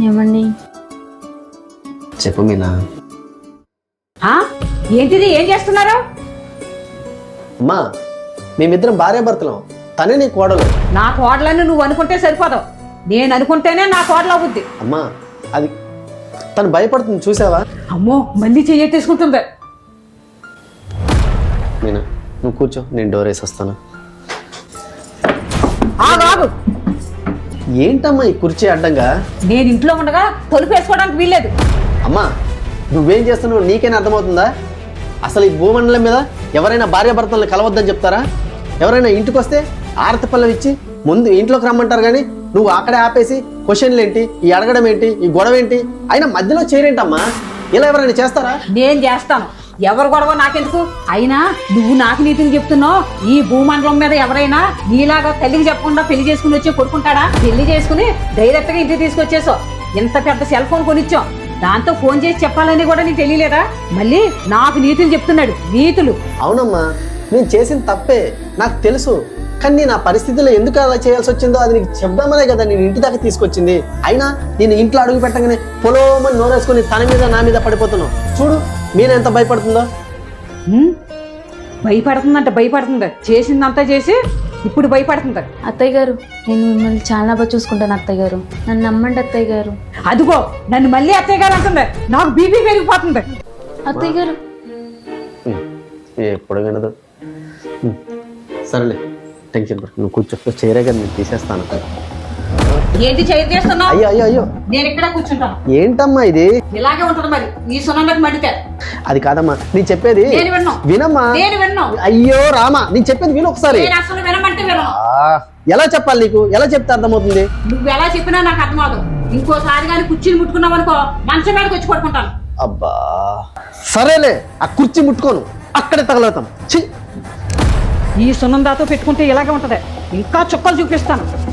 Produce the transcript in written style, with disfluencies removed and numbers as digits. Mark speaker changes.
Speaker 1: ఏమండి?
Speaker 2: చెప్పు మీనా.
Speaker 3: ఏంటిది? ఏం చేస్తున్నారు?
Speaker 2: అమ్మా, మేమిద్దరం భార్యాభర్తలం. తనే నీ కోడలు.
Speaker 3: నా కోడలని నువ్వు అనుకుంటే సరిపోదు, నేను అనుకుంటేనే నా కోడలు అవుద్ది.
Speaker 2: అమ్మా, అది తను భయపడుతుంది చూసావా?
Speaker 3: అమ్మో, మళ్ళీ చెయ్యెట్టేసుకుంటుంది.
Speaker 2: మీనా, నువ్వు కూర్చో, నేను డోర్ వేసి వస్తాను.
Speaker 3: ఆగు.
Speaker 2: ఏంటమ్మా ఈ కుర్చీ అడ్డంగా?
Speaker 3: నేను ఇంట్లో ఉండగా తలుపు వేసుకోవడానికి వీల్లేదు.
Speaker 2: అమ్మా, నువ్వేం చేస్తున్నావు నీకేనా అర్థమవుతుందా? అసలు ఈ భూమండలం మీద ఎవరైనా భార్యాభర్తలను కలవద్దని చెప్తారా? ఎవరైనా ఇంటికి వస్తే ఆరతి పళ్ళం ఇచ్చి ముందు ఇంట్లోకి రమ్మంటారు, కానీ నువ్వు అక్కడే ఆపేసి క్వశ్చన్లు ఏంటి, ఈ అడగడం ఏంటి, ఈ గొడవ ఏంటి, అయినా మధ్యలో చేరేంటమ్మా? ఇలా ఎవరైనా చేస్తారా?
Speaker 3: నేను చేస్తాను. ఎవరు గొడవ నాకెందుకు? అయినా నువ్వు నాకు నీతిని చెప్తున్నావు. ఈ భూమండలం మీద ఎవరైనా నీలాగా తల్లికి చెప్పకుండా పెళ్లి చేసుకుని వచ్చి కొడుకుంటాడా? పెళ్లి చేసుకుని డైరెక్ట్ గా ఇంటికి తీసుకొచ్చేసావు. ఎంత పెద్ద సెల్ ఫోన్ కొనిచ్చావు, దాంతో ఫోన్ చేసి చెప్పాలని కూడా నీకు తెలియలేదా? మళ్ళీ నాకు నీతులు చెప్తున్నాడు. నీతులు.
Speaker 2: అవునమ్మా, నేను చేసిన తప్పే నాకు తెలుసు, కానీ నేను ఆ పరిస్థితిలో ఎందుకు అలా చేయాల్సి వచ్చిందో అది నీకు చెప్దామనే కదా నేను ఇంటి దాకా తీసుకొచ్చింది. అయినా నేను ఇంట్లో అడుగు పెట్టగానే పొలోమని నోరేసుకుని తన మీద నా మీద పడిపోతున్నావు. చూడు మీన ఎంత భయపడుతుందో.
Speaker 3: భయపడుతుంది. చేసిందంతా చేసి ఇప్పుడు భయపడుతుంది.
Speaker 1: అత్తయ్య గారు, నేను మిమ్మల్ని చాలా బాగా చూసుకుంటాను అత్తయ్య గారు, నన్ను నమ్మండి అత్తయ్య గారు.
Speaker 3: అదిగో నన్ను మళ్ళీ అత్తయ్య గారు అంటుంది. నాకు బీపీ పెరిగిపోతుంది.
Speaker 1: అత్తయ్య గారు
Speaker 2: ఎప్పుడు వినదు. సరేలే, టెన్షన్ పడు, నువ్వు కూర్చో. చేరే కదా నేను తీసేస్తాను.
Speaker 3: ఏంటి చేస్తున్నావు?
Speaker 2: అయ్యో అయ్యో అయ్యో,
Speaker 3: నేను ఇక్కడ కూర్చుంటాను.
Speaker 2: ఏంటమ్మా ఇది?
Speaker 3: ఇలాగే ఉంటుంది మరి ఈ సున్నంలోకి మడితే.
Speaker 2: అది కాదమ్మా, నేను చెప్పేది వినమ్మా. అయ్యో రామా, నేను చెప్పేది విను ఒకసారి.
Speaker 3: అసలు వినమంటే వినను.
Speaker 2: ఎలా చెప్పాలి నీకు? ఎలా చెప్తే అర్థమవుతుంది?
Speaker 3: నువ్వు ఎలా చెప్పినా నాకు అర్థమవుతుంది. ఇంకోసారి కానీ కుర్చీని ముట్టుకున్నావు అనుకో, మంచం మీదకి వచ్చి పడుకుంటాను.
Speaker 2: అబ్బా సరేలే, ఆ కుర్చీ ముట్టుకోను, అక్కడే తగలవుతాం.
Speaker 3: ఈ సున్నందాతో పెట్టుకుంటే ఇలాగే ఉంటది. ఇంకా చుక్కలు చూపిస్తాను.